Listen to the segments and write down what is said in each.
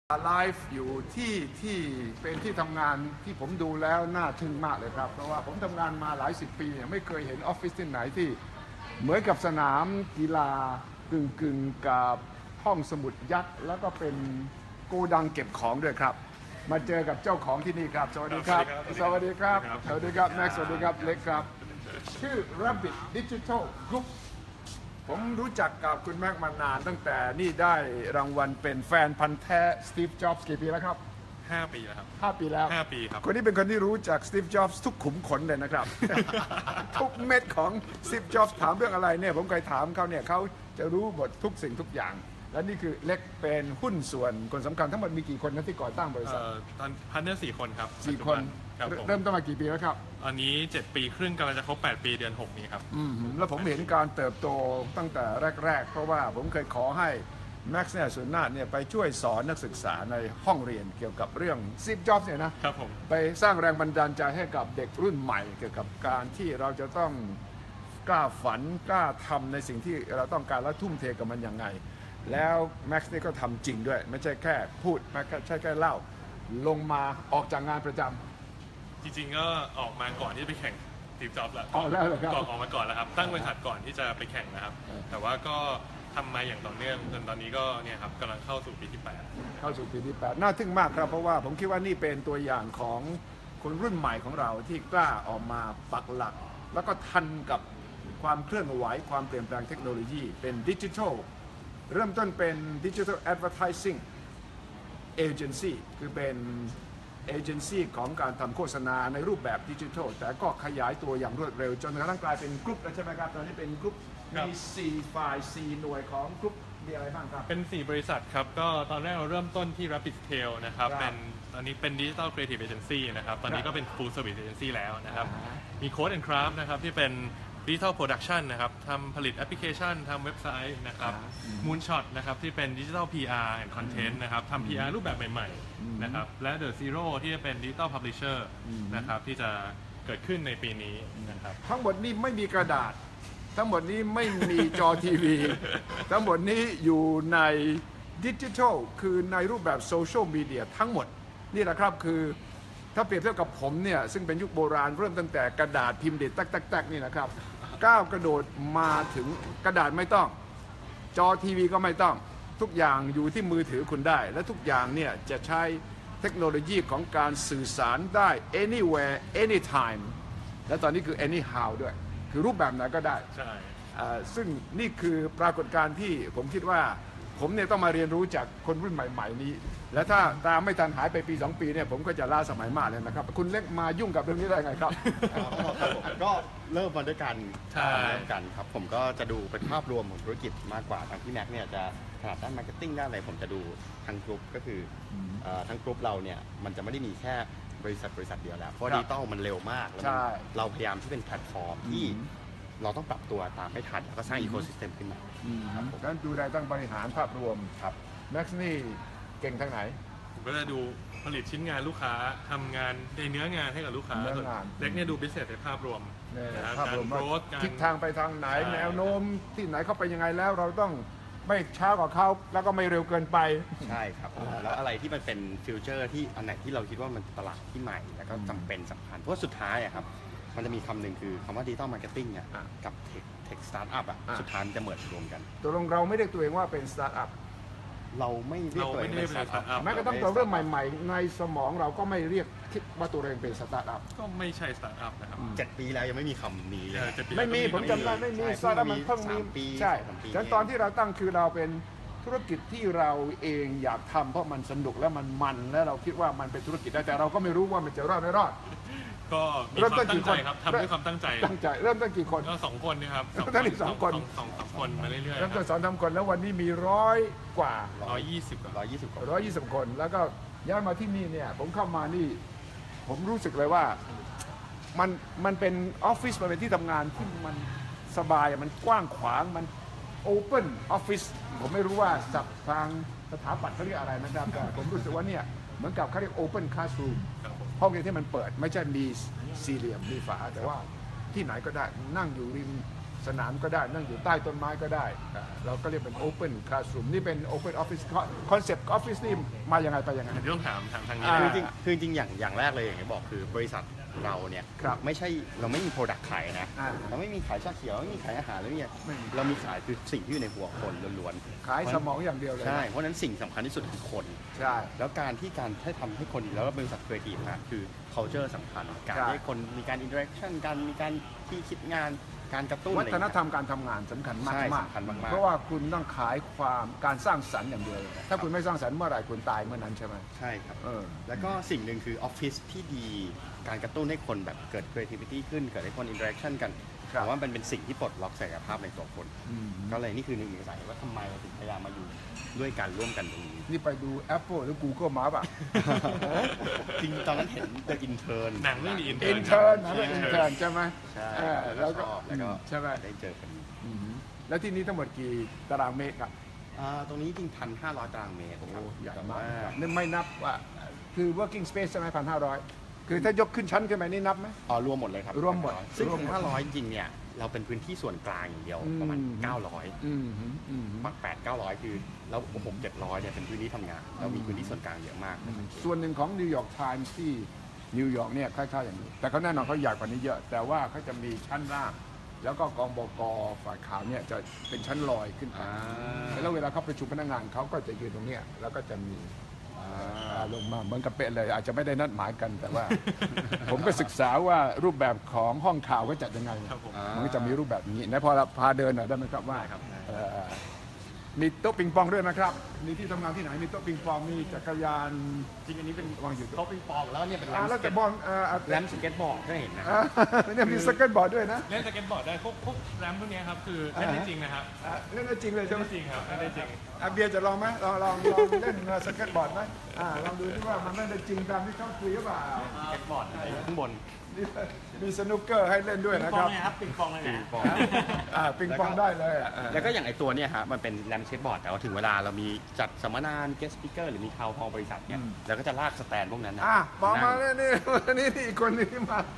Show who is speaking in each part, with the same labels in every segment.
Speaker 1: ไลฟ์อยู่ที่เป็นที่ทำงานที่ผมดูแล้วน่าทึ่งมากเลยครับเพราะว่าผมทำงานมาหลายสิบปีเนี่ยไม่เคยเห็นออฟฟิศที่ไหนที่เหมือนกับสนามกีฬากึ่งกับห้องสมุดยักษ์แล้วก็เป็นโกดังเก็บของด้วยครับมาเจอกับเจ้าของที่นี่ครับสวัสดีครับสวัสดีครับสวัสดีครับแม็กซ์สวัสดีครับเล็กครับชื่อ Rabbit Digital Group ผมรู้จักกับคุณแม็กมานานตั้งแต่นี่ได้รางวัลเป็นแฟนพันธ์แท้สตีฟจ็อบส์กี่ปีแล้วครับ
Speaker 2: 5 ปีแล้วครับ
Speaker 1: 5 ปีแล้ว
Speaker 2: 5 ปีครับ
Speaker 1: คนนี้เป็นคนที่รู้จักสตีฟจ็อบส์ทุกขุมขนเลยนะครับ ทุกเม็ดของสตีฟจ็อบส์ถามเรื่องอะไรเนี่ยผมเคยถามเขาเนี่ยเขาจะรู้หมดทุกสิ่งทุกอย่างและนี่คือเล็กเป็นหุ้นส่วนคนสำคัญทั้งหมดมีกี่คนนะที่ก่อตั้งบริษัท
Speaker 2: ตอนพาร์ทเนอร์4 คนครับ
Speaker 1: 4 คนเริ่มต้นมากี่ปีแล้วครับ
Speaker 2: อันนี้7 ปีครึ่งกำลังจะครบ8 ปีเดือน6นี้ครับ
Speaker 1: แล้วผมเห็นการเติบโตตั้งแต่แรกๆเพราะว่าผมเคยขอให้แม็กซ์เนี่ยสุนนาถเนี่ยไปช่วยสอนนักศึกษาในห้องเรียนเกี่ยวกับเรื่องสตีฟจ็อบส์เนี่ยนะครับ
Speaker 2: ผม
Speaker 1: ไปสร้างแรงบันดาลใจให้กับเด็กรุ่นใหม่เกี่ยวกับการที่เราจะต้องกล้าฝันกล้าทำในสิ่งที่เราต้องการและทุ่มเทกับมันยังไงแล้วแม็กซ์นี่ก็ทำจริงด้วยไม่ใช่แค่พูดไม่ใช่แค่เล่าลงมาออกจากงานประจำ
Speaker 2: จริงๆก็ออกมาก่อนที่จะไปแข่งสตีฟจ็อบส์แล้ว
Speaker 1: ออกแล้วเหรอครับ
Speaker 2: ก่อนออกมาก่อนแล้วครับตั้งบริษัทก่อนที่จะไปแข่งนะครับแต่ว่าก็ทำมาอย่างต่อเนื่องจนตอนนี้ก็เนี่ยครับกำลังเข้าสู่ปีที่8
Speaker 1: เข้าสู่ปีที่8น่าทึ่งมากครับเพราะว่าผมคิดว่านี่เป็นตัวอย่างของคนรุ่นใหม่ของเราที่กล้าออกมาปักหลักแล้วก็ทันกับความเคลื่อนไหวความเปลี่ยนแปลงเทคโนโลยีเป็นดิจิทัลเริ่มต้นเป็น Digital Advertising Agency คือเป็นเอเจนซี่ของการทำโฆษณาในรูปแบบดิจิทัลแต่ก็ขยายตัวอย่างรวดเร็วจนกระทั่งกลายเป็นกรุ๊ปแล้วใช่ไหมครับตอนนี้เป็นกรุ๊ปมี4ฝ่าย4หน่วยของกรุ๊ปมีอะไรบ้างครับ
Speaker 2: เป็น4 บริษัทครับก็ตอนแรกเราเริ่มต้นที่ Rapid Scale นะครับเป็นตอนนี้เป็น Digital Creative Agency นะครับตอนนี้ก็เป็น Full Service Agency แล้วนะครับมี Code and Craft นะครับที่เป็นDigital Production นะครับทำผลิตแอปพลิเคชันทำเว็บไซต์นะครับ Moonshot นะครับที่เป็น Digital PR and Content นะครับทำ PR รูปแบบใหม่ๆนะครับและ The Zero ที่จะเป็น Digital Publisher นะครับที่จะเกิดขึ้นในปีนี้นะครับ
Speaker 1: ทั้งหมดนี้ไม่มีกระดาษทั้งหมดนี้ไม่มีจอทีวี ทั้งหมดนี้อยู่ในดิจิทัลคือในรูปแบบโซเชียลมีเดียทั้งหมดนี่แหละครับคือถ้าเปรียบเทียบกับผมเนี่ยซึ่งเป็นยุคโบราณเริ่มตั้งแต่กระดาษพิมพ์เด็ดตักนี่นะครับก้าวกระโดดมาถึงกระดาษไม่ต้องจอทีวีก็ไม่ต้องทุกอย่างอยู่ที่มือถือคุณได้และทุกอย่างเนี่ยจะใช้เทคโนโลยีของการสื่อสารได้ anywhere anytime และตอนนี้คือ anyhow ด้วยคือรูปแบบไหนก็ได้
Speaker 2: ใช่
Speaker 1: ซึ่งนี่คือปรากฏการณ์ที่ผมคิดว่าผมเนี่ยต้องมาเรียนรู้จากคนรุ่นใหม่ๆนี้และถ้าตามไม่ทันหายไปปี2 ปีเนี่ยผมก็จะล้าสมัยมากเลยนะครับคุณเล็กมายุ่งกับเรื่องนี้ได้ไงครับ
Speaker 3: ก็เริ่มมาด้วยกันครับผมก็จะดูเป็นภาพรวมของธุรกิจมากกว่าทางพี่แม็กเนี่ยจะถนัดด้านมาร์เก็ตติ้งด้านอะไรผมจะดูทั้งกลุ่มก็คือทั้งกลุ่มเราเนี่ยมันจะไม่ได้มีแค่บริษัทเดียวแล้วเพราะดิจิตอลมันเร็วมากแล้วเราพยายามที่เป็นแพลตฟอร์มที่เราต้องปรับตัวตามให้ทันแล้วก็สร้างอีโคซิสเต็มขึ้นมา
Speaker 1: ครับผมงั้นดูได้ตั้งบริหารภาพรวมครับแม็กซ์นี่เก่งทางไหน
Speaker 2: ผมก็จะดูผลิตชิ้นงานลูกค้าทำงานในเนื้องานให้กับลูกค้าเล็กเนี่ยดูบิสเนสในภาพรวม
Speaker 1: การโกรธทิศทางไปทางไหนแนวโน้มที่ไหนเข้าไปยังไงแล้วเราต้องไม่ช้ากว่าเขาแล้วก็ไม่เร็วเกินไป
Speaker 3: ใช่ครับแล้วอะไรที่มันเป็นฟิวเจอร์ที่อันไหนที่เราคิดว่ามันตลาดที่ใหม่แล้วก็จำเป็นสำคัญเพราะสุดท้ายครับมันจะมีคำหนึ่งคือคำว่าดิจิตอลมาร์เก็ตติ้งกับเทคสตาร์ทอัพสุดท้ายจะเมิร์จรวมกัน
Speaker 1: ตัวลงเราไม่เรียกตัวเองว่าเป็นสตาร์ทอัพ
Speaker 3: เราไม่เรียกตัวเองเป็นสตาร์ทอัพ
Speaker 1: แม้กระทั่งตัวเรื่องใหม่ๆในสมองเราก็ไม่เรียกคิดว่าตัวเองเป็นสตาร์ทอัพ
Speaker 2: ก็ไม่ใช่สตาร์ทอัพนะครับ
Speaker 3: 7 ปีแล้วยังไม่มีคำนี้
Speaker 1: ไม่มีผมจำได้ไม่มีสตาร์ทอัพมันเพิ่งมีใช่ฉะนั้นตอนที่เราตั้งคือเราเป็นธุรกิจที่เราเองอยากทำเพราะมันสนุกและมันและเราคิดว่ามันเป็นธุรกิจได้แต่เราก็ไม่รู้ว่ามันจะรอดไม่รอด
Speaker 2: ก็มีความตั้งใจครับทำด้วยความตั้งใจ
Speaker 1: เริ่มตั้งกี่คน
Speaker 2: ก็2 คนนะครับ
Speaker 1: 2 คน
Speaker 2: คนมาเรื่อยๆ
Speaker 1: เริ่มต้น2-3 คนแล้ววันนี้มี100 กว่า120 คนแล้วก็ย้ายมาที่นี่เนี่ยผมเข้ามานี่ผมรู้สึกเลยว่ามันเป็นออฟฟิศมันเป็นที่ทำงานที่มันสบายมันกว้างขวางมันโอเพ่นออฟฟิศผมไม่รู้ว่าศัพท์ทางสถาปัตย์เขาเรียกอะไรนะครับแต่ผมรู้สึกว่าเนี่ยเหมือนกับเขาเรียกโอเพ่นคลาสรูมห้องเรียนที่มันเปิดไม่ใช่มีสี่เหลี่ยมมีฝาแต่ว่าที่ไหนก็ได้นั่งอยู่ริมสนามก็ได้นั่งอยู่ใต้ต้นไม้ก็ได้เราก็เรียกเป็น Open Classroom นี่เป็น Open Office Concept Office นี่มายังไงไปยังไง
Speaker 2: เดี๋ยวต้องถามทางนี้
Speaker 3: คือจริงอย่างแรกเลยอย่างที่บอกคือบริษัทเราเนี่ย
Speaker 1: ครับ
Speaker 3: ไม่ใช่เราไม่มีโปรดักต์ขายนะ
Speaker 1: อ่า
Speaker 3: เราไม่มีขายชาเขียวไม่มีขายอาหารแล้วเนี่ย
Speaker 1: ไม่มี
Speaker 3: เรามีขายคือสิ่งที่อยู่ในหัวคนล้วน
Speaker 1: ขายสมองอย่างเดียวเลย
Speaker 3: ๆใช่เพราะฉะนั้นสิ่งสำคัญที่สุดคือคน
Speaker 1: ใช่
Speaker 3: แล้วการให้ทำให้คนแล้วบริษัทครีเอทีฟนะคือ culture สำคัญการ
Speaker 1: ใช่
Speaker 3: ให้คนมีการ interaction การมีการที่คิดงานการกระตุ้น
Speaker 1: วั
Speaker 3: อะไรอ
Speaker 1: ฒ
Speaker 3: ย่าง
Speaker 1: น
Speaker 3: เงี้ย
Speaker 1: ธรรมการทำงานสำคัญมาก
Speaker 3: ใช่
Speaker 1: มาก
Speaker 3: สำคัญมากๆ
Speaker 1: เพราะว่าคุณต้องขายความการสร้างสรรค์อย่างเดียวเลยถ้าคุณไม่สร้างสรรค์เมื่อไหร่คุณตายเมื่อนั้นใช่ไหม
Speaker 3: ใช่ครับ
Speaker 1: เออ
Speaker 3: แล้วก็สิ่งหนึ่งคือออฟฟิศที่ดีการกระตุ้นให้คนแบบเกิด creativity ขึ้นเกิดให้คน interaction กัน
Speaker 1: ครับ
Speaker 3: ผมว่ามันเป็นสิ่งที่ปลดล็อกศักยภาพในตัวคน
Speaker 1: อืม
Speaker 3: ก็เลยนี่คือหนึ่งในสาเหตุว่าทำไมเราถึงพยายามมาอยู่ด้วยกันร่วมกันตรงนี้
Speaker 1: นี่ไปดู Apple หรือ Google มาป่ะ
Speaker 3: จริงตอนนั้นเห็น The Intern
Speaker 2: หนังเรื่อง The Intern
Speaker 1: อินเทอร์นะเป็นอินเทอร์ใช่ไหม
Speaker 3: ใช่
Speaker 1: เออ
Speaker 3: แล้
Speaker 1: แล้ว
Speaker 3: วก็
Speaker 1: ก็
Speaker 3: ชอบแล้วก็
Speaker 1: ใช่ไหม
Speaker 3: ได้เจอกัน
Speaker 1: อืมแล้วที่นี้ทั้งหมดกี่ตารางเมตรครับ
Speaker 3: ตรงนี้จริง1,500 ตารางเมตรครับ
Speaker 1: ใหญ่
Speaker 3: แต่
Speaker 1: มาก
Speaker 3: ว่า
Speaker 1: นี่ไม่นับว่าคือ working space ใช่ไหม1,500 คือถ้ายกขึ้นชั้นขึ้นไปนี่นับไหม
Speaker 3: รวมหมดเลยครับ
Speaker 1: รวมหมด
Speaker 3: ซึ่ง
Speaker 1: รวมหมด
Speaker 3: 1,500 จริงๆเนี่ยเราเป็นพื้นที่ส่วนกลางอย่างเดียวประมาณ
Speaker 1: อืม
Speaker 3: 900
Speaker 1: อืมอืม
Speaker 3: ปัก8-900 คือแล้ว6-700เนี่ยเป็นพื้นที่ทำงานเรามีพื้นที่ส่วนกลางเยอะมาก
Speaker 1: ส่วนหนึ่งของนิวยอร์กไทมส์ที่นิวยอร์กเนี่ยคล้ายๆอย่างนี้ แต่เขาแน่นอนเขาใหญ่กว่านี้เยอะ แต่ว่าเขาจะมีชั้นล่าง แล้วก็กองบกฝ่ายข่าวเนี่ยจะเป็นชั้นลอยขึ้นไปแล้วเวลาเขาประชุมพนักงานเขาก็จะยืนตรงเนี้ยแล้วก็จะมีลงมาเหมือนกับเป๊ะเลย อาจจะไม่ได้นัดหมายกันแต่ว่า ผมก็ศึกษาว่ารูปแบบของห้องข่าวก็จัดยังไง
Speaker 2: ครับผม
Speaker 1: มันก็จะมีรูปแบบนี้นะพอเราพาเดินหน่อยได้ไหมครับว่าเอ่อมีโต๊ะปิงปองด้วยนะครับมีที่ทำงานที่ไหนมีโต๊ะปิงปองมีจักรยาน
Speaker 3: จริงอันนี้เป็น
Speaker 1: วางอยู่
Speaker 3: โต๊ะปิงปองแล้วเนี่ยเป็น
Speaker 1: แล้วแต่บอล
Speaker 3: แรมสเก็ตบอร์ดก็เห็นนะ
Speaker 1: เนี่ยมีสเก็ตบอร์ดด้วยนะ
Speaker 2: เล่นสเก็ตบอร์ดได้พวกแรมพวกเนี้ยครับคือเล่นได้จริงนะครับ
Speaker 1: เล่นได้จริงเลยใช่ไหม
Speaker 2: เล่นได้จริงครับเล่นได้จริง
Speaker 1: เบียร์จะลองไหมลองเล่นสเก็ตบอร์ดไหมลองดูที่ว่ามันเล่นได้จริงตามที่เขาคุยหรือเปล่า
Speaker 3: สเก็ตบอร์ดข้างบน
Speaker 1: นี่มีสนุกเกอร์ให้เล่นด้วยนะครับ
Speaker 3: ปิงปองเลยปิงปอง
Speaker 1: ปิงปองได้เลย
Speaker 3: แล้วก็อย่างไอตัวเนี่ยฮะมันเป็นแรมสเก็ตบอร์ดแต่ว่าถึงเวลาเรามีจัดสัมมนาเกสต์สปิเกอร์หรือมีทาวน์ฮอลล์บริษัทเนี่ยเราก็จะลากสแตนพวกนั้นนะ
Speaker 1: บอกมาเนี่ยนี่อีกคนนึงที่มา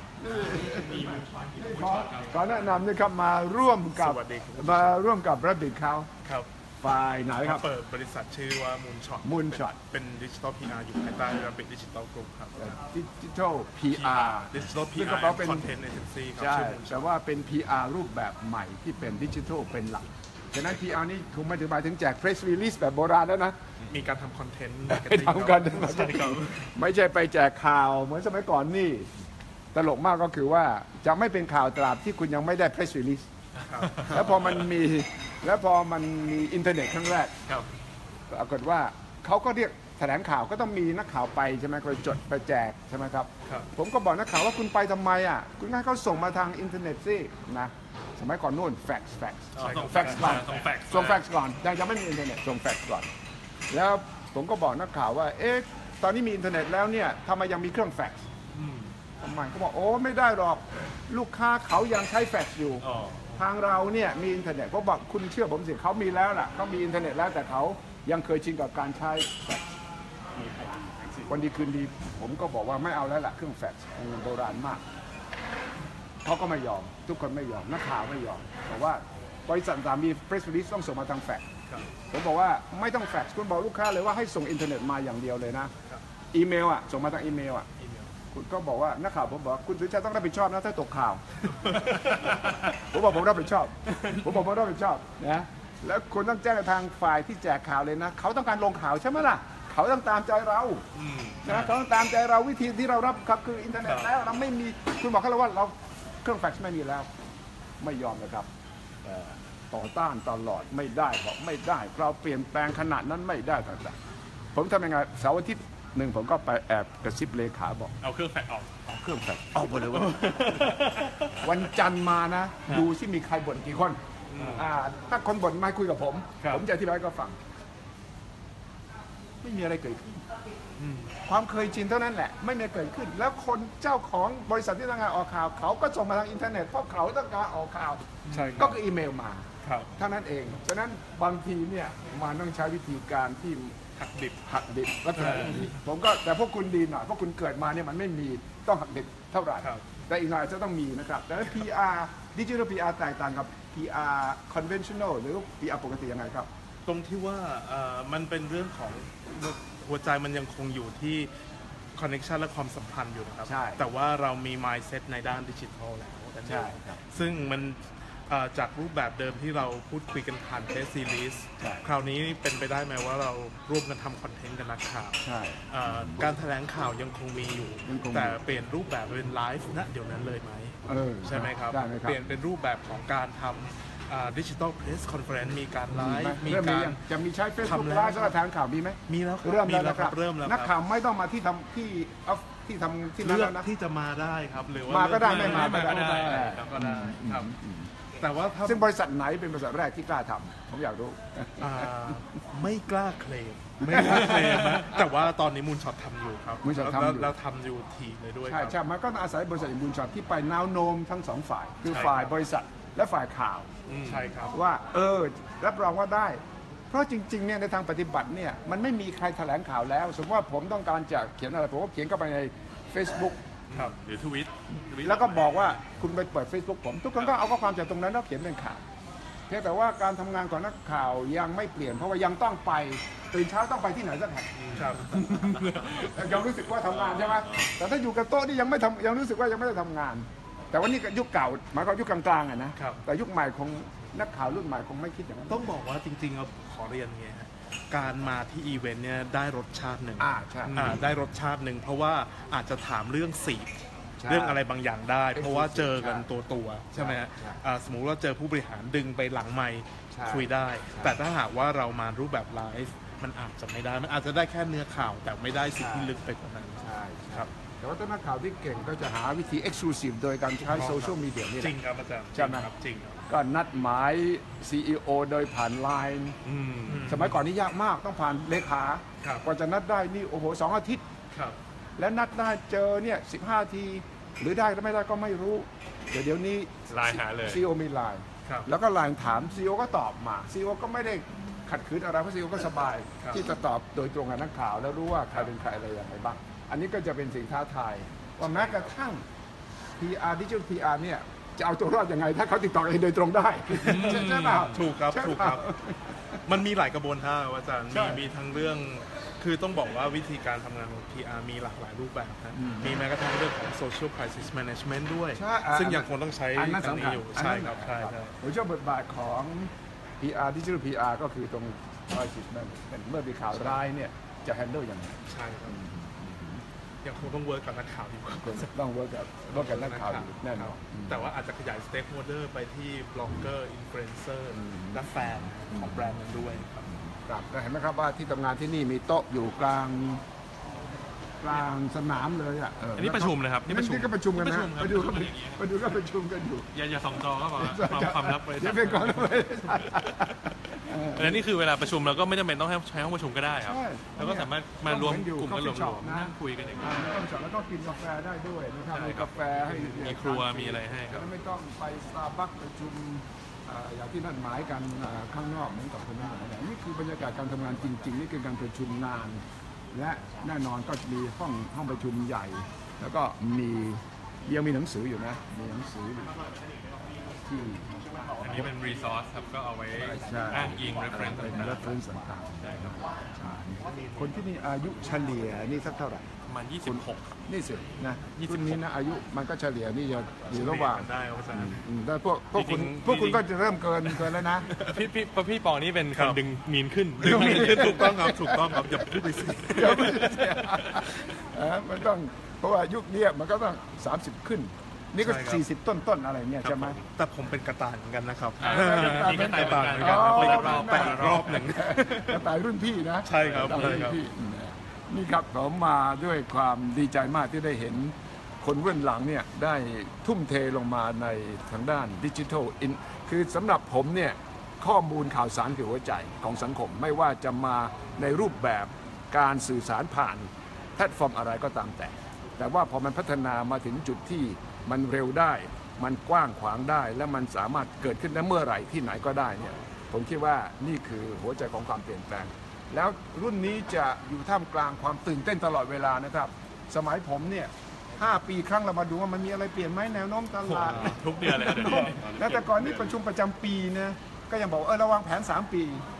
Speaker 1: ขอแนะนำนี่ครับมาร่วมกับ
Speaker 4: สวัสดีครับ
Speaker 1: มาร่วมกับรับบิดเขา
Speaker 4: ครับ
Speaker 1: ฝ่ายไหนครับ
Speaker 4: เปิดบริษัทชื่อว่า Moonshot
Speaker 1: Moonshot
Speaker 4: เป็นดิจิตอล PR อยู่ภายใต้ Rapid Digital Group ครับ
Speaker 1: ดิจิทัล PR
Speaker 4: ดิจิตอล
Speaker 1: ซึ่ง
Speaker 4: PR
Speaker 1: ก็แปลว่าเป็น
Speaker 4: คอนเทนต์เอเจนซี่ครับ
Speaker 1: ใช่
Speaker 4: ชื่อ Moonshot
Speaker 1: แต่ว่าเป็น PR รูปแบบใหม่ที่เป็นดิจิทัลเป็นหลัก ฉะนั้น PR นี่คงไม่ถึงหมายถึงแจก press release แบบโบราณแล้วนะ
Speaker 4: มีการทำคอนเทนต์
Speaker 1: ไปทำกัน
Speaker 4: ใช่ครับ
Speaker 1: ไม่ใช่ไปแจกข่าวเหมือนสมัยก่อนนี่ ตลกมากก็คือว่าจะไม่เป็นข่าวตราบที่คุณยังไม่ได้ press release
Speaker 4: ครับ
Speaker 1: แล้วพอมันมีอินเทอร์เน็ตครั้งแรก
Speaker 2: ครับ
Speaker 1: ปรากฏว่าเขาก็เรียกแถลงข่าวก็ต้องมีนักข่าวไปใช่ไหมไปจดไปแจกใช่ไหมครับ
Speaker 4: ครับ
Speaker 1: ผมก็บอกนักข่าวว่าคุณไปทำไมอ่ะคุณให้เขาส่งมาทางอินเทอร์เน็ตสินะสมัยก่อนนู่นแฟกซ์
Speaker 2: ส่ง
Speaker 1: แฟกซ์ก่อน
Speaker 2: ส่งแฟกซ์
Speaker 1: ส่งแฟกซ์ก่อนยังไม่มีอินเทอร์เน็ตส่งแฟกซ์ก่อน แล้วผมก็บอกนักข่าวว่าเอ๊ะตอนนี้มีอินเทอร์เน็ตแล้วเนี่ยทำไมยังมีเครื่องแฟกซ์ทำไมเขาบอกโอ้ไม่ได้หรอกลูกค้าเขายังใช้แฟกซ์อยู่
Speaker 2: อ๋อ
Speaker 1: ทางเราเนี่ยมีอินเทอร์เน็ตเขาบอกคุณเชื่อผมสิเขามีแล้วล่ะเขามีอินเทอร์เน็ตแล้วแต่เขายังเคยชินกับการใช้แฟกซ์วันดีคืนดีผมก็บอกว่าไม่เอาแล้วล่ะเครื่องแฟกซ์มันโบราณมากเขาก็ไม่ยอมทุกคนไม่ยอมนักข่าวไม่ยอมบอกว่าบริษัทต่างมี press release ต้องส่งมาทางแฟกซ์ผมบอกว่าไม่ต้องแฟกซ์คุณบอกลูกค้าเลยว่าให้ส่งอินเทอร์เน็ตมาอย่างเดียวเลยนะอีเมลอ่ะส่งมาทางอีเมลอ่ะคุณก็บอกว่านักข่าวผมบอกคุณสุชาติต้องรับผิดชอบนะถ้าตกข่าว ผมบอกผมรับผิดชอบผมรับผิดชอบนะแล้วคุณต้องแจ้งกับทางฝ่ายที่แจกข่าวเลยนะเขาต้องการลงข่าวใช่ไหมล่ะเขาต้องตามใจเราใช่ไหมเขาต้องตามใจเราวิธีที่เรารับครับคืออินเทอร์เน็ตแล้วเราไม่มีคุณบอกเขาแล้วว่าเราเครื่องแฟกซ์ไม่มีแล้วไม่ยอมนะครับต่อต้านตลอดไม่ได้บอกไม่ได้เราเปลี่ยนแปลงขนาดนั้นไม่ได้ต่างๆผมทำยังไงเสาร์อาทิตย์หนึ่งผมก็ไปแอบกระซิบเลขาบอก
Speaker 2: เอาเครื่องแฟกซ์ออก
Speaker 1: เอาเครื่องแฟกซ์เอาไปเลยว่าวันจันทร์มานะ ดูที่มีใครบ่นกี่คนถ้าคนบ่นมาคุยกับผม ผมจะอธิบายให้เขาฟัง ไม่มีอะไรเกิดขึ้นความเคยชินเท่านั้นแหละไม่มีเกิดขึ้น แล้วคนเจ้าของบริษัทที่ต้องการออกข่าวเขาก็ส่งมาทางอินเทอร์เน็ตเพราะเขาต้องการออกข่าว
Speaker 4: ใช่ครับ
Speaker 1: ก็คืออีเมลมา
Speaker 4: ครับ
Speaker 1: เท่านั้นเองฉะนั้นบางทีเนี่ยมันต้องใช้วิธีการที่หักดิบลักษณะอย่างนี้ผมก็แต่พวกคุณดีหน่อยเพราะคุณเกิดมาเนี่ยมันไม่มีต้องหักดิบเท่าไหร่
Speaker 4: ครับ
Speaker 1: แต่อีกหน่อยจะต้องมีนะครับแต่ PR Digital PR แตกต่างกับ PR conventional หรือ PR ปกติยังไงครับ
Speaker 4: ตรงที่ว่ามันเป็นเรื่องของหัวใจมันยังคงอยู่ที่ connection และความสัมพันธ์อยู่นะครับ
Speaker 1: ใช่
Speaker 4: แต่ว่าเรามี mindset ในด้านดิจิทัลแล้วนั่นเอง
Speaker 1: ใช่ครับ
Speaker 4: ซึ่งมันจากรูปแบบเดิมที่เราพูดคุยกันผ่านเทสซีรีส์คราวนี้เป็นไปได้ไหมว่าเราร่วมกันทำคอนเทนต์กับนักข่าว
Speaker 1: ใช่
Speaker 4: การแถลงข่าวยังคงมีอยู่
Speaker 1: ยังคงมี
Speaker 4: แต่เปลี่ยนรูปแบบเป็นไลฟ์ณเดี๋ยวนั้นเลยไหม ใช่ไหมครับ
Speaker 1: ได้ไหมครับ
Speaker 4: เปลี่ยนเป็นรูปแบบของการทำดิจิทัลเพรสคอนเฟอเรนซ์มีการไลฟ์มี
Speaker 1: เริ่มมี
Speaker 4: การ
Speaker 1: ยังจะมีใช้ Facebook
Speaker 4: ทำแล้ว
Speaker 1: ไลฟ์สำหรับแถลงข่าวมีไหม
Speaker 4: มีแล้วครับ
Speaker 1: เริ่ม
Speaker 4: มี
Speaker 1: แล้วนะครับ
Speaker 4: เริ่มแล้ว
Speaker 1: นัก
Speaker 4: ค
Speaker 1: ข่า
Speaker 4: รับ
Speaker 1: วไม่ต้องมาที่ทำที่ทำที่นั่น
Speaker 4: เลือ
Speaker 1: แล้
Speaker 4: ก
Speaker 1: วนะ
Speaker 4: ที่จะมาได้ครับ หรือว่า
Speaker 1: มาก็ได้
Speaker 4: เลือ
Speaker 1: ไม่มาก็ได้
Speaker 4: ครับก็ได้ครับแต่ว่าถ้า
Speaker 1: ซึ่งบริษัทไหนเป็นบริษัทแรกที่กล้าทำผมอยากรู้
Speaker 4: อ่าไม่กล้าเคลมไม่กล้าเคลมนะแต่ว่าตอนนี้มูลช็อตทำอยู่ครับ
Speaker 1: Moonshot ทำอยู่
Speaker 4: แล้วทำอยู่ทีเลยด้วยค
Speaker 1: ใช่
Speaker 4: รับ
Speaker 1: ใช่มันก็อาศัยบริษัทบุญช็อตที่ไปแนวโน้มทั้งสองฝ่าย คือ
Speaker 4: ใช่
Speaker 1: ฝ่าย
Speaker 4: ครับ
Speaker 1: บริษัทและฝ่ายข่าว
Speaker 4: ใช่ครับ
Speaker 1: ว่ารับรองว่าได้ เพราะจริงๆเนี่ยในทางปฏิบัติเนี่ยมันไม่มีใครแถลงข่าวแล้ว สมมติว่าผมต้องการจะเขียนอะไรผมก็เขียนเข้าไปใน Facebook
Speaker 4: ครับ
Speaker 2: หรือทวิต
Speaker 1: แล้วก็บอกว่าคุณไปเปิด Facebook ผม ทุกคนก็เอาข้อความจากตรงนั้นแล้วเขียนเป็นข่าวเพียงแต่ว่าการทำงานของนักข่าวยังไม่เปลี่ยน เพราะว่ายังต้องไปตื่นเช้าต้องไปที่ไหนสักแห่ง
Speaker 4: ครับ
Speaker 1: ยังรู้สึกว่าทำงานใช่ไหมแต่ถ้าอยู่กับโต๊ะนี่ยังไม่ทำยังรู้สึกว่ายังไม่ได้ทำงาน แต่ว่านี่ก็ยุคเก่าหมายความยุคกลางๆอะนะครับ แต่ยุคใหม่คงนักข่าวรุ่นใหม่คงไม่คิดอย่างนั้น
Speaker 4: ต้องบอกว่าจริงๆเราขอเรียนไงฮะการมาที่อีเวนต์เนี่ยได้รสชาติหนึ่ง
Speaker 1: ใช่
Speaker 4: ได้รสชาติหนึ่งเพราะว่าอาจจะถามเรื่องสี
Speaker 1: ใช่
Speaker 4: เรื่องอะไรบางอย่างได้ เพราะว่าเจอกัน
Speaker 1: ใช่
Speaker 4: ตัวๆใช่ไหมฮะ
Speaker 1: ใช่
Speaker 4: สมมุติว่าเจอผู้บริหารดึงไปหลังไมค์
Speaker 1: ใช่
Speaker 4: คุยได้
Speaker 1: ใช่
Speaker 4: แต่ถ้าหากว่าเรามารูปแบบไลฟ์มันอาจจะไม่ได้ มันอาจจะได้แค่เนื้อข่าว แต่ไม่ได้สิ่งที่ลึกไปกว่านั้น
Speaker 1: ใช่
Speaker 4: ครับ
Speaker 1: แต่ว่าถ้านักข่าวที่เก่งก็จะหาวิธี exclusive โดยการใช้โซเชียลมีเดียนี่แห
Speaker 4: จริ
Speaker 1: ละ
Speaker 4: งครับอาจารย์
Speaker 1: ใช่ไหม
Speaker 4: ครับจริงครับ
Speaker 1: ก็นัดหมาย CEO โดยผ่านไลน์
Speaker 2: อืม
Speaker 1: สมัยก่อนนี่ยากมากต้องผ่านเลขา
Speaker 4: ครับ
Speaker 1: กว่าจะนัดได้นี่โอ้โห2 อาทิตย์
Speaker 4: ครับ
Speaker 1: แล้วนัดได้เจอเนี่ย15 ทีหรือได้หรือไม่ได้ก็ไม่รู้ เดี๋ยวนี้
Speaker 2: ไลน์หาเลย
Speaker 1: CEO มีไลน์
Speaker 4: ครับ
Speaker 1: แล้วก็ไลน์ถาม CEO ก็ตอบมา CEO ก็ไม่ได้ขัดขืนอะไรเพราะ CEO ก็สบาย
Speaker 4: ครับ
Speaker 1: ที่จะตอบโดยตรงกับนักข่าว แล้วรู้ว่าใครเป็นใครอะไรอย่างไรบ้าง อันนี้ก็จะเป็นสิ่งท้าทายว่าแม้กระทั่ง PR Digital PR เนี่ยจะเอาตัวรอดยังไง ถ้าเขาติดต่อเองโดยตรงได้ใช่ไหม
Speaker 4: ถูกครับ
Speaker 1: ใช่
Speaker 4: ถูก
Speaker 1: เป
Speaker 4: ค
Speaker 1: ล่า
Speaker 4: รับ มันมีหลายกระบวนท่าครับอาจารย์
Speaker 1: ใช่
Speaker 4: มีทั้งเรื่อง คือต้องบอกว่าวิธีการทำงานของ PR มีหลากหลายรูปแบบนะ
Speaker 1: อืม
Speaker 4: มีแม้กระทั่งเรื่องของ social crisis management ด้วย
Speaker 1: ใช่
Speaker 4: ซึ่งยังคงต้องใช้
Speaker 1: อันนั้น
Speaker 4: อัน
Speaker 1: สำ
Speaker 4: นี้
Speaker 1: คัญ
Speaker 4: อยู่
Speaker 1: อัน
Speaker 4: ใช่
Speaker 1: นั้น
Speaker 4: ครับ ใช่ใช่
Speaker 1: ผมเชื่อบทบาทของ PR Digital PR ก็คือตรง crisis management เมื่อมีข่าวร้ายเนี่ยจะ handle ยังไง
Speaker 4: ใช่ครับ ยังคงต้องเวิร์กกับนักข่าวอยู่ครับ
Speaker 1: ต้องเวิร์กกับนักข่าวอยู่แน่นอน
Speaker 4: แต่ว่าอาจจะขยาย stakeholder ไปที่บล็อกเกอร์ อินฟลูเอนเซอร์ และแฟนของแบรนด์นั้นด้วยครับ
Speaker 1: ครับแล้วเห็นไหมครับว่าที่ทำงานที่นี่มีโต๊ะอยู่กลางสนามเลยอ่ะ
Speaker 2: อันนี้ประชุมนะครับนี่ประชุม
Speaker 1: นี่ก็ประชุมกันนะ
Speaker 2: นี่
Speaker 1: ไป
Speaker 2: ประ
Speaker 1: ดู
Speaker 2: ชุม
Speaker 1: ก็
Speaker 2: ครับ
Speaker 1: ไปดูก็ประชุมกันอยู่
Speaker 2: อย่าส่องจอก็พอความลับเลย
Speaker 1: เดี๋ยวเป็นก่อนเลย
Speaker 2: แล้วนี่คือเวลาประชุมเราก็ไม่จำเป็นต้องใช้ห้องประชุมก็ได้ครับ
Speaker 1: ใช่
Speaker 2: เราก็สามารถมารวมกลุ่มกันหล
Speaker 1: coffee shop
Speaker 2: วมๆนั่งคุยกันอย่างนี้
Speaker 1: ต้องจอดแล้วก็กินกาแฟได้ด้วยนะครับ
Speaker 2: ใช่
Speaker 1: มี
Speaker 2: ครับ
Speaker 1: กาแฟให้
Speaker 2: มีครัวมีอะไรให้ครับ
Speaker 1: แล้วไม่ต้องไปสตาร์บัคประชุมอย่างที่นัดหมายกันข้างนอกเหมือนกับคนนั้นนี่คือบรรยากาศการทำงานจริง ๆ นี่คือการประชุมงาน และแน่นอนก็มีห้องประชุมใหญ่ แล้วก็ยังมีหนังสืออยู่นะมีหนังสืออยู่ที่
Speaker 2: อันนี้เป็น resource ครับก็เอาไว้
Speaker 1: ใช่
Speaker 2: อ้างอิง reference
Speaker 1: เป็น
Speaker 2: ต่าง
Speaker 1: reference ต่างๆ
Speaker 2: ๆใช่ครับ
Speaker 1: ใช่คนที่มีอายุเฉลี่ยนี่สักเท่าไหร่
Speaker 2: ประมาณ26
Speaker 1: นี่สินะ
Speaker 2: 26
Speaker 1: รุ่นนี้นะอายุมันก็เฉลี่ยนี่จะอยู่ระหว่าง
Speaker 4: ได้ครับอาจารย์
Speaker 1: แต่พวกคุณ
Speaker 2: จริงๆ
Speaker 1: พวกคุณก็จะเริ่มเกินแล้วนะ
Speaker 2: พี่ปอนี่เป็น
Speaker 4: ค
Speaker 2: ค
Speaker 4: รั
Speaker 2: น
Speaker 4: บ
Speaker 2: ดึงมีนขึ้น
Speaker 4: ถูกต้องครับ ถูกต้องครับ อย่าพูดไปสิ
Speaker 1: เดี๋ยวมันจะเสียมันต้องเพราะว่ายุคนี้มันก็ต้อง30ขึ้น นี่ก็
Speaker 4: ใช่ครับ
Speaker 1: 40ต้นอะไรเงี้ยใช่ไหม
Speaker 4: แต่ผมเป็นกระต่ายเหมือนกันนะครับ
Speaker 2: มีกระต่ายเหมือนกัน
Speaker 4: เหมือนกัน
Speaker 1: อ๋อ
Speaker 4: คนละรอบไปอีกรอบหนึ่ง
Speaker 1: กระต่ายรุ่นพี่นะ
Speaker 4: ใช่ครับ
Speaker 1: กะต่ายรุ่น
Speaker 4: ใช่ครับ
Speaker 1: พี่นี่ครับผมมาด้วยความดีใจมากที่ได้เห็นคนเบื้องหลังเนี่ยได้ทุ่มเทลงมาในทางด้านดิจิทัลคือสำหรับผมเนี่ยข้อมูลข่าวสารคือหัวใจของสังคม ไม่ว่าจะมาในรูปแบบการสื่อสารผ่านแพลตฟอร์มอะไรก็ตามแต่ว่าพอมันพัฒนามาถึงจุดที่มันเร็วได้ มันกว้างขวางได้ และมันสามารถเกิดขึ้นได้เมื่อไหร่ที่ไหนก็ได้เนี่ยผมคิดว่านี่คือหัวใจของความเปลี่ยนแปลง แล้วรุ่นนี้จะอยู่ท่ามกลางความตื่นเต้นตลอดเวลานะครับ สมัยผมเนี่ย 5 ปีครั้งเรามาดูว่ามันมีอะไรเปลี่ยนไหมแนวโน้มตลาด
Speaker 2: ทุกเดือนเลยครับเดี๋ยวนี้
Speaker 1: แล้วแต่ก่อนนี่ประชุมประจำปีนะก็ยังบอกเราวางแผน 3 ปี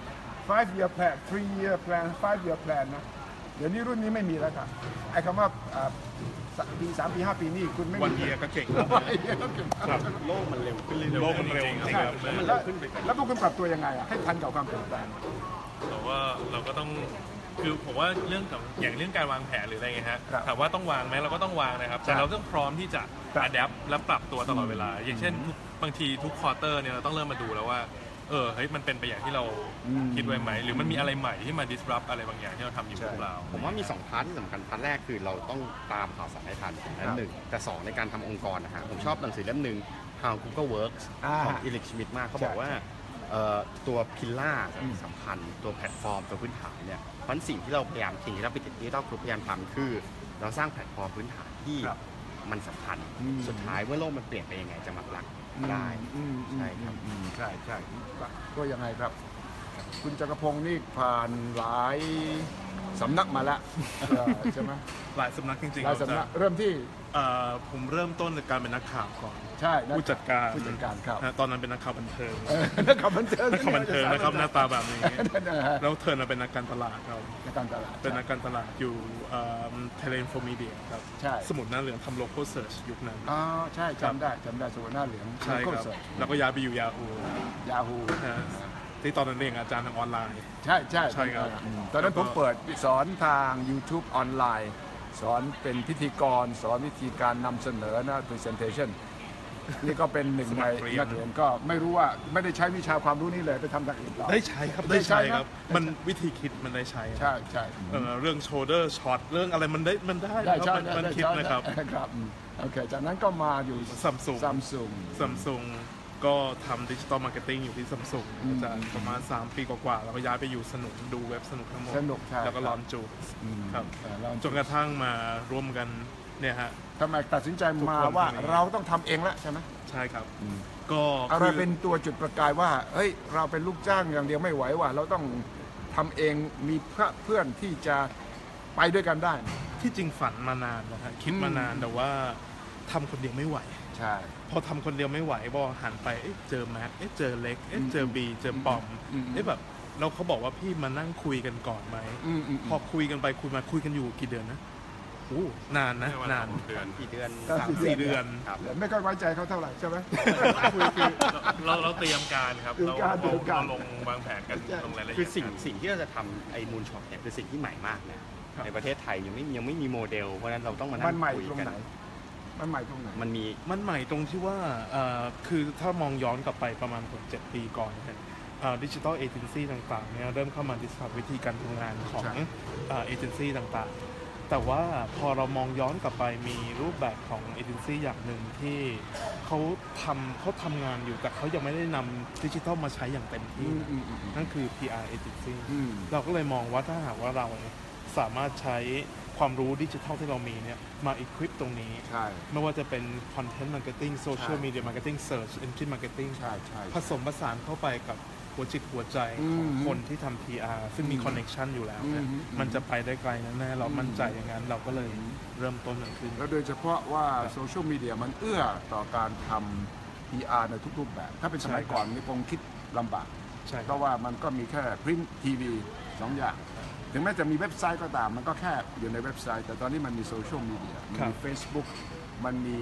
Speaker 1: 5-year plan 3-year plan 5-year plan นะเดี๋ยวนี้รุ่นนี้ไม่มีแล้วครับไอ้คำว่าปี 3 ปี 5 ปีนี่คุณไม่มี
Speaker 4: วันเยียก็เก่งแล้ว
Speaker 1: วันเยียก็เก่ง
Speaker 4: ครับ
Speaker 3: โลกมันเร็วขึ้นเรื่อยๆ
Speaker 4: โลกมันเร็วจริงๆครับ
Speaker 3: แล้วมันเร็วขึ้นไป
Speaker 1: แล้วพวกคุณปรับตัวยังไงให้ทันกับความเปลี่ยนแปลง
Speaker 2: เราก็ต้องคือผมว่าเรื่องของอย่างเรื่องการวางแผนหรืออะไรเงี้ยฮะ
Speaker 1: ครับ
Speaker 2: ถามว่าต้องวางไหมเราก็ต้องวางนะครับ
Speaker 1: ใช่
Speaker 2: แต่เราต้องพร้อมที่จะ
Speaker 1: ครับ
Speaker 2: adapt และปรับตัวตลอดเวลา อย่างเช่นบางทีทุกควอเตอร์เนี่ยเราต้องเริ่มมาดูแล้วว่าเฮ้ยมันเป็นไปอย่างที่เราคิดไว้ไหมหรือมันมีอะไรใหม่ที่มา disrupt อะไรบางอย่างที่เราทำอยู่หรือเปล่า
Speaker 3: ผมว่ามี2พาร์ทที่สำคัญพาร์ทแรกคือเราต้องตามข่าวสารให้ทันนั่นหนึ่งแต่2ในการทำองค์กรนะฮะผมชอบหนังสือเล่มหนึ่ง How Google Works ของ Eric Schmidt มากเขาบอกว่าตัวพิลล่าสำคัญตัวแพลตฟอร์มตัวพื้นฐานเนี่ยเพราะสิ่งที่เราพยายามสิ่งที่เราพยายามทำคือเราสร้างแพลตฟอร์มพื้นฐานที่มันสำคัญสุดท้ายเมื่อโลกมันเปลี่ยนไปยังไงจะมารักได้ใช่ครับ
Speaker 1: ใช่ก็ยังไงครับ คุณจักรพงศ์นี่ผ่านหลายสำนักมาแล้วใช่ไหม
Speaker 4: หลายสำนักจริงๆ
Speaker 1: หลายสำนักเริ่มที่
Speaker 4: ผมเริ่มต้นจากการเป็นนักข่าวก่อน
Speaker 1: ใช่
Speaker 4: ผู้จัดการ
Speaker 1: ครับ
Speaker 4: นะตอนนั้นเป็นนักข่าวบันเทิง
Speaker 1: นักข่าวบันเทิง
Speaker 4: นักข่าวบันเทิงนะครับหน้าตาแบบนี้
Speaker 1: นะฮะ
Speaker 4: แล้วเทิร์นมาเป็นนักการตลาดครับ
Speaker 1: ในการตลาด
Speaker 4: เป็นนักการตลาดอยู่เทเลอินโฟมีเดียครับ
Speaker 1: ใช่
Speaker 4: สมุดหน้าเหลืองทำโลโก้เซิร์ชยุคนั้น
Speaker 1: อ๋อใช่จำได้สมุดหน้าเหลือง
Speaker 4: ใช่ครับ แล้วก็ย้ายไปอยู่ Yahoo
Speaker 1: ยาฮู
Speaker 4: ที่ตอนนั้นเองอาจารย์ทางออนไลน์
Speaker 1: ใช่
Speaker 4: ใช่ครับ
Speaker 1: ตอนนั้นผมเปิดสอนทาง YouTube ออนไลน์ สอนเป็นพิธีกร สอนวิธีการนำเสนอนะ presentation นี่ก็เป็นหนึ่งในนักเรียนก็ไม่รู้ว่าไม่ได้ใช้วิชาความรู้นี้เลยไปทำทางอื่นต่อ
Speaker 4: ได้ใช้ครับ
Speaker 1: ได้
Speaker 4: ได้
Speaker 1: ใช้
Speaker 4: ใช้
Speaker 1: นะ
Speaker 4: ครับ มันวิธีคิดมันได้ใช้
Speaker 1: ใช่ใช่
Speaker 4: เรื่องโชเดอร์ช็อตเรื่องอะไรมันได้
Speaker 1: ได้
Speaker 4: ค
Speaker 1: ใช่
Speaker 4: รับมันคิดนะครับ
Speaker 1: ครับโอเคจากนั้นก็มาอยู่
Speaker 4: Samsung
Speaker 1: ซัมซุง
Speaker 4: ซัมซุงก็ทำดิจิตอลมาร์เก็ตติ้งอยู่ที่ซัมซุงอาจารย์ประมาณ 3 ปีกว่าๆแล้วก็ย้ายไปอยู่สนุกดูเว็บสนุกทั้งหมด
Speaker 1: สนุกใช่
Speaker 4: แล้วก็ลอนจูครับ
Speaker 1: แล้ว
Speaker 4: จนกระทั่งมาร่วมกันเนี่ยฮะ
Speaker 1: ทำไมตัดสินใจมา
Speaker 4: ทุกคน
Speaker 1: ว่า
Speaker 4: ทำเอง เรา
Speaker 1: เราต้องทำเองแล้วใช่ไหม
Speaker 4: ใช่ครับ ก็
Speaker 1: อะไร
Speaker 4: คือ
Speaker 1: เป็นตัวจุดประกายว่าเฮ้ยเราเป็นลูกจ้างอย่างเดียวไม่ไหวว่ะเราต้องทำเองมีเพื่อนที่จะไปด้วยกันได้
Speaker 4: ที่จริงฝันมานานนะฮะคิดมานานแต่ว่าทำคนเดียวไม่ไหว
Speaker 1: ใช่
Speaker 4: พอทำคนเดียวไม่ไหวบอหันไปเจอแม็กเจอเล็กเจอบีเจอปอมแบบเราเขาบอกว่าพี่มานั่งคุยกันก่อนไหมพอคุยกันไปคุยกันอยู่กี่เดือนนะโอ้นานนะนาน
Speaker 3: กี่เดือน
Speaker 4: 3-4 เดือน
Speaker 3: ครับ
Speaker 1: ไม่ค่อยไว้ใจเขาเท่าไหร่ใช่ไหม
Speaker 2: เราเตรียมการครับ
Speaker 1: เตรียมการ
Speaker 2: เราลงวางแผนกันลงรายละเอียด
Speaker 3: คือสิ่งที่เราจะทำไอ้มูลช็อตเนี่ยคือสิ่งที่ใหม่มากนะในประเทศไทยยังไม่มีโมเดลเพราะฉะนั้นเราต้องมานั่
Speaker 1: มัน
Speaker 3: ง
Speaker 1: ใหม่
Speaker 3: คุย
Speaker 1: ตรง
Speaker 3: กัน
Speaker 1: ไหนมันใหม่ตรงไหน
Speaker 3: มันมี
Speaker 4: มันใหม่ตรงที่ว่าคือถ้ามองย้อนกลับไปประมาณ7 ปีก่อนดิจิทัลเอเจนซี่ต่างๆเนี่ยเริ่มเข้ามาดิสคัฟวิธีการทำงานของเอเจนซี่ต่างๆ แต่ว่าพอเรามองย้อนกลับไปมีรูปแบบของเอเจนซี่อย่างหนึ่งที่เขาทำงานอยู่แต่เขายังไม่ได้นำดิจิทัลมาใช้อย่างเต็มที่ นั่นคือ PR agency เราก็เลยมองว่าถ้าหากว่าเราสามารถใช้ความรู้ดิจิทัลที่เรามีเนี่ยมา equip ตรงนี้
Speaker 1: ใช่
Speaker 4: ไม่ว่าจะเป็น content marketing social media marketing search engine marketing
Speaker 1: ใช่
Speaker 4: ผสมผสานเข้าไปกับหัวจิตหัวใจของคนที่ทำ PR ซึ่งมี connection อยู่แล้วเนี่ยมันจะไปได้ไกลแน่ๆเรามั่นใจอย่างนั้นเราก็เลยเริ่มต้นมันขึ้น
Speaker 1: แล้วโดยเฉพาะว่าโซเชียลมีเดียมันเอื้อต่อการทำ PR ในทุกรูปแบบ ถ้าเป็นสมัยก่อนนี่คงคิดลำบาก
Speaker 4: ใช่ค
Speaker 1: เพ
Speaker 4: รับ
Speaker 1: ราะว่ามันก็มีแค่พริ้นทีวีสองอย่าง ถึงแม้จะมีเว็บไซต์ก็ตาม มันก็แค่อยู่ในเว็บไซต์ แต่ตอนนี้มันมีโซเชียลมีเดียมันมี Facebook มันมี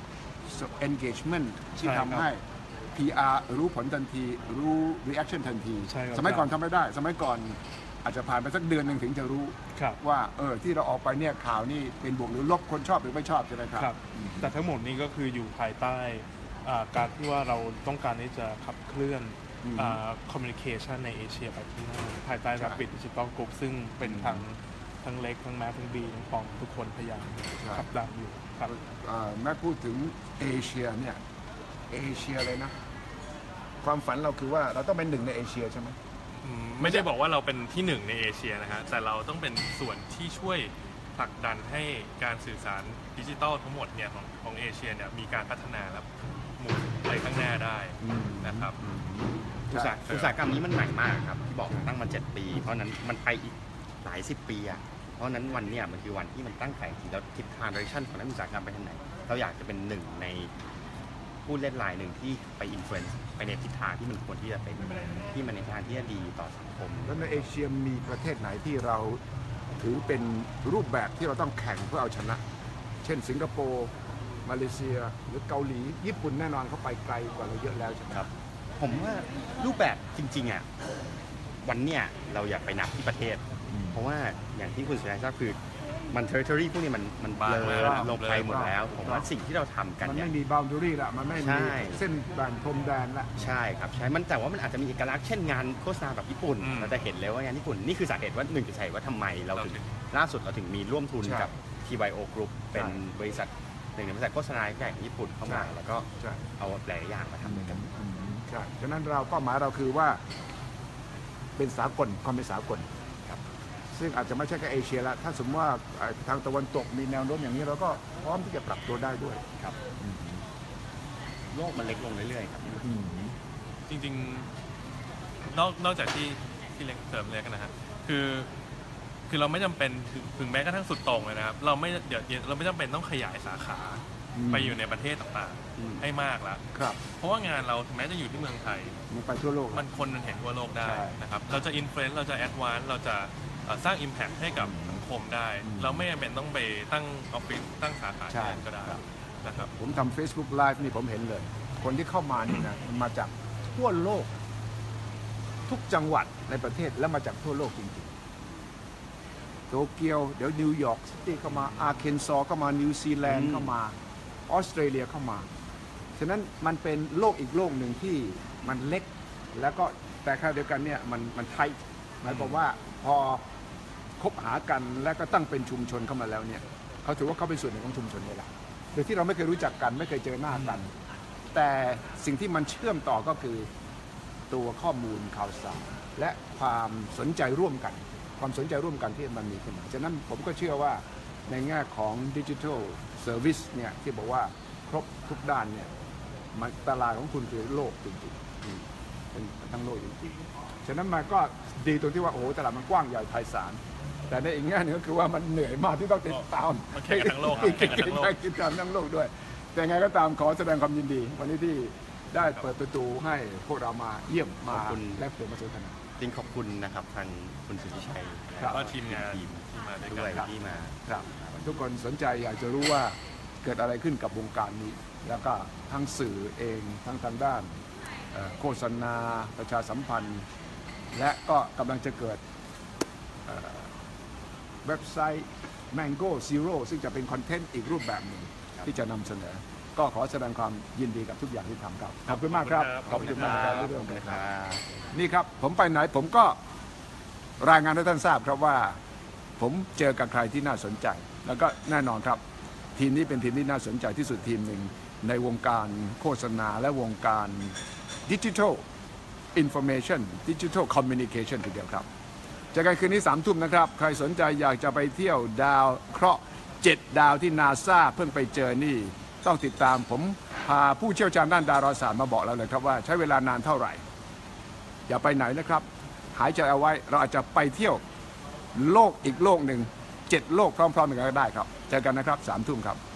Speaker 1: engagement ที่ทำให้ PR รู้ผลทันที รู้ reaction ทันที
Speaker 4: ใช่ครับ
Speaker 1: สมัยก่อนทำไม่ได้ สมัยก่อนอาจจะผ่านไปสักเดือนหนึ่งถึงจะรู้
Speaker 4: ครับ
Speaker 1: ว่าที่เราออกไปเนี่ยข่าวนี่เป็นบวกหรือลบคนชอบหรือไม่ชอบใช่ไหมครับ
Speaker 4: ครับแต่ทั้งหมดนี้ก็คืออยู่ภายใต้การที่ว่าเราต้องการที่จะขับเคลื่อนคอมมิวนิเคชันในเอเชียไปข้างหน้าภายใต้ Rapid Digital Group ซึ่งเป็นทั้งเล็กทั้งแม้ทั้งบีทั้งปองทุกคนพยายามขับดันอยู่ครับ
Speaker 1: แม่พูดถึงเอเชียเนี่ยเอเชียเลยนะ ความฝันเราคือว่าเราต้องเป็นหนึ่งในเอเชียใช่ไหม
Speaker 2: ไม่ได้บอกว่าเราเป็นที่หนึ่งในเอเชียนะฮะแต่เราต้องเป็นส่วนที่ช่วยผลักดันให้การสื่อสารดิจิทัลทั้งหมดเนี่ยของเอเชียเนี่ยมีการพัฒนาและหมุนไปข้างหน้าได้นะครับ
Speaker 3: อุตสาหกรรมนี้มันใหม่มากครับที่บอกตั้งมา7 ปี เพราะนั้นมันไปอีกหลาย10 ปีอะราะฉะนั้นวันเนี้ยมันคือวันที่มันตั้งใจจริงแล้วทิศทาง direction ของนักอุตสาหกรรมไปทางไหนเราอยากจะเป็นหนึ่งในผู้เล่นรายหนึ่งที่ไปอินฟลูเอนซ์ไปในทิศทางที่มันควรที่จะเป็นที่มันในทางที่จะดีต่อสังคม
Speaker 1: แล้วในเอเชียมีประเทศไหนที่เราถือเป็นรูปแบบที่เราต้องแข่งเพื่อเอาชนะ เช่นสิงคโปร์มาเลเซียหรือเกาหลีญี่ปุ่นแน่นอนเขาไปไกลกว่าเราเยอะแล้วใช่ไหม
Speaker 3: ครับผมว่ารูปแบบจริงๆอ่ะวันเนี้ยเราอยากไปนับที่ประเทศ เพราะว่าอย่างที่คุณสุนัยทราบคือมัน territory พวกนี้มัน
Speaker 2: บาง
Speaker 3: เล
Speaker 2: มาก
Speaker 3: ยลงไปหมดแล้ว ผมว่าสิ่งที่เราทำกัน
Speaker 1: มัน
Speaker 3: เนี่ย
Speaker 1: ไม่มี boundary ละมันไม่
Speaker 3: ใช่
Speaker 1: มีเส้นแบ่งพรมแดนละ
Speaker 3: ใช่ครับใช่มันแต่ว่ามันอาจจะมีเอกลักษณ์เช่นงานโฆษณาแบบญี่ปุ่น เราจะเห็นเลยว่างานญี่ปุ่นนี่คือสาเหตุว่าหนึ่งจะใช่ว่าทำไมเราถึงล่าสุดเราถึงมีร่วมทุนกับ TYO Group เป็นบริษัทหนึ่งในบริษัทโฆษณาใหญ่ของญี่ปุ่นเข้ามาแล้วก็
Speaker 1: ใช่
Speaker 3: เอาหลายอย่างมาทำด้วยกัน
Speaker 1: ใช่ฉะนั้นเราเป้าหมายเราคือว่าเป็นสากลความเป็นสากล
Speaker 3: ครับ
Speaker 1: ซึ่งอาจจะไม่ใช่แค่เอเชียละถ้าสมมติว่าทางตะวันตกมีแนวโน้มอย่างนี้เราก็พร้อมที่จะปรับตัวได้ด้วย
Speaker 3: ครับโลกมันเล็กลงเรื่อยๆครับ
Speaker 2: จริงๆนอกจากที่เล็กเสริมเลยกันนะฮะคือเราไม่จำเป็นถึงแม้กระทั่งสุดโต่งเลยนะครับเราไม่จำเป็นต้องขยายสาขาไปอยู่ในประเทศต่างๆให้มากแล้ว
Speaker 1: ครับ
Speaker 2: เพราะว่างานเราถึงแม้จะอยู่ที่เมืองไทย
Speaker 1: มันไปทั่วโลก
Speaker 2: มันคนมันเห็นทั่วโลกได้
Speaker 1: ใช่
Speaker 2: นะครับเราจะอินฟลูเอนซ์เราจะแอดวานซ์เราจะสร้าง Impact ให้กับสังคมได้ เราไม่จำเป็นต้องไปตั้งออฟฟิศตั้งสาขาที่นั่นก็ได้นะครับ
Speaker 1: ผมทำ Facebook Live นี่ผมเห็นเลย คนที่เข้ามานี่นะมันมาจากทั่วโลก ทุกจังหวัดในประเทศและมาจากทั่วโลกจริงๆโตเกียวเดี๋ยวนิวยอร์กซิตี้เข้ามาอาร์เคนซอเข้ามานิวซีแลนด์เข้ามาออสเตรเลียเข้ามาฉะนั้นมันเป็นโลกอีกโลกหนึ่งที่มันเล็กแล้วก็แต่ขณะเดียวกันเนี่ยมันไทยหมายความว่าพอคบหากันและก็ตั้งเป็นชุมชนเข้ามาแล้วเนี่ยเขาถือว่าเขาเป็นส่วนหนึ่งของชุมชนนี่แหละโดยที่เราไม่เคยรู้จักกันไม่เคยเจอหน้ากัน แต่สิ่งที่มันเชื่อมต่อก็คือตัวข้อมูลข่าวสารและความสนใจร่วมกันความสนใจร่วมกันที่มันมีขึ้นมาฉะนั้นผมก็เชื่อว่าในแง่ของดิจิทัลเซอร์วิสเนี่ยที่บอกว่าครบทุกด้านเนี่ยมันตลาดของคุณคือโลกจริงๆเป็นทั้งโลกจริงๆฉะนั้นมันก็ดีตรงที่ว่าโอ้โหตลาดมันกว้างใหญ่ไพศาลแต่ในอีกแง่หนึงก็คือว่ามันเหนื่อยมากที่ต้องติดตาม
Speaker 2: มันแข่งกันทั้งโลกครับแข่งกันทั้งโลก
Speaker 1: ติดตามทั้งโลกด้วย แต่ไงก็ตามขอแสดงความยินดี วันนี้ที่ได้เปิดประตูให้พวกเรามาเยี่ยมมาแลกเปลี่ยนมาสนทนา
Speaker 3: จริงขอบคุณนะครับทางคุณสุทธิชัย
Speaker 1: ครับ
Speaker 2: ก็ทีมงานที่มาด้วย
Speaker 3: ด้วย
Speaker 2: กัน
Speaker 3: ที่มา
Speaker 1: ครับทุกคนสนใจอยากจะรู้ว่าเกิดอะไรขึ้นกับวงการนี้ แล้วก็ทั้งสื่อเองทั้งทางด้านโฆษณาประชาสัมพันธ์ และก็กำลังจะเกิดเว็บไซต์ Mango Zero ซึ่งจะเป็นคอนเทนต์อีกรูปแบบหนึ่งที่จะนำเสนอ ก็ขอแสดงความยินดีกับทุกอย่างที่ทำครับขอบคุณมากครับขอบคุณมากครับที่ร่วมกันครับ นี่ครับผมไปไหนผมก็รายงานให้ท่านทราบครับว่าผมเจอกับใครที่น่าสนใจ แล้วก็แน่นอนครับ ทีมนี้เป็นทีมที่น่าสนใจที่สุดทีมหนึ่งในวงการโฆษณาและวงการดิจิทัลอินโฟเมชันดิจิทัลคอมมิวนิเคชันทีเดียวครับเจอกันคืนนี้3 ทุ่มนะครับใครสนใจอยากจะไปเที่ยวดาวเคราะห์7 ดาวที่นาซาเพิ่งไปเจอนี่ต้องติดตามผมพาผู้เชี่ยวชาญด้านดาราศาสตร์มาบอกแล้วเลยครับว่าใช้เวลานานเท่าไหร่อย่าไปไหนนะครับหายใจเอาไว้เราอาจจะไปเที่ยวโลกอีกโลกหนึ่ง7 โลกพร้อมๆกันก็ได้ครับเจอกันนะครับ3 ทุ่มครับ